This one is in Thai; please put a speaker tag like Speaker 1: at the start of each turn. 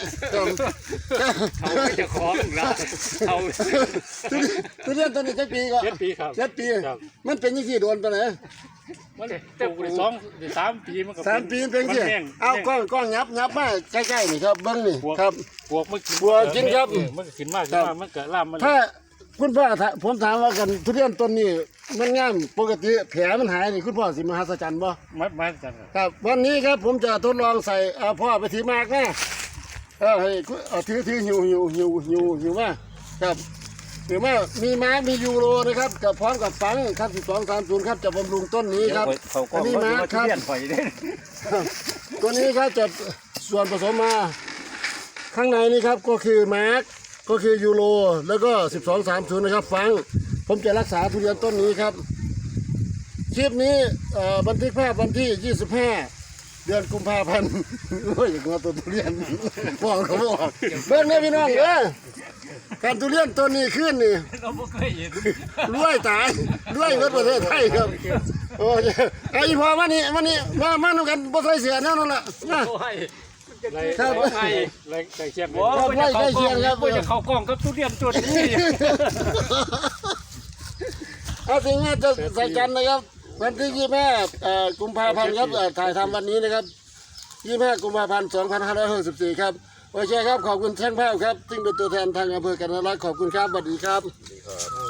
Speaker 1: เขาไม่จะคล้องเราเขา
Speaker 2: ทุเรียนต้นนี้7 ปีก็
Speaker 1: 7 ปีครับ
Speaker 2: 7 ปีมันเป็นยังไงโดนตัวไหน
Speaker 1: มันปลูกได้3 ปีมันก็
Speaker 2: 3 ปีเป็นยังไงเอากล้องยับมาใกล้ๆนี่ครับเบิ้งนี่ครับ
Speaker 1: ปลวกมัน
Speaker 2: บัวกินครับ
Speaker 1: มันก็กินมากมันก็ล่ามมัน
Speaker 2: ถ้าคุณพ่อผมถามว่ากันทุเรียนต้นนี้มันงามปกติแผลมันหายนี่คุณพ่อสิมหัศจรรย์บ่
Speaker 1: มาจัง
Speaker 2: ครับวันนี้ครับผมจะทดลองใส่พ่อไปถือมากนะให้ถือหิวมาครับถือมามีม้ามียูโรนะครับกับพร้อมกับฝังครับ1230ครับจะบำรุงต้นนี้ครับอันนี้ม้าครับตัวนี้ครับจะส่วนผสมมาข้างในนี่ครับก็คือมาร์กก็คือยูโรแล้วก็1230นะครับฟังผมจะรักษาทุเรียนต้นนี้ครับคลิปนี้บันทึกภาพวันที่25เดือนกุมภาพันธ์โอ้ยอย่างว่าตัวทุเรียนบอกเขาบอกเบิ้งเนี่ยพี่น้องการทุเรียนต้นนี้ขึ้นนี่
Speaker 1: เราไม่เคยเห็น
Speaker 2: รวยตายรวยเมื่อประเทศไทยครับโอ้ยไอ้พอมานี่มาดูกันบ่ใส่เสียแน่นอนล่ะครับ
Speaker 1: ไก่เชียง
Speaker 2: ครับไล่ใกล้เคียงครับ
Speaker 1: จะเข้ากล้องกับทุเรียนตัวนี้
Speaker 2: เอาถึงว่าจะใส่กันนะครับวันที่25กุมภาพันธ์ครับถ่ายทำวันนี้นะครับ25กุมภาพันธ์2564ครับโอเคครับขอบคุณช่างภาพครับซึ่งเป็นตัวแทนทางอำเภอกันทรลักษณ์ขอบคุณครับสวัสดีครับ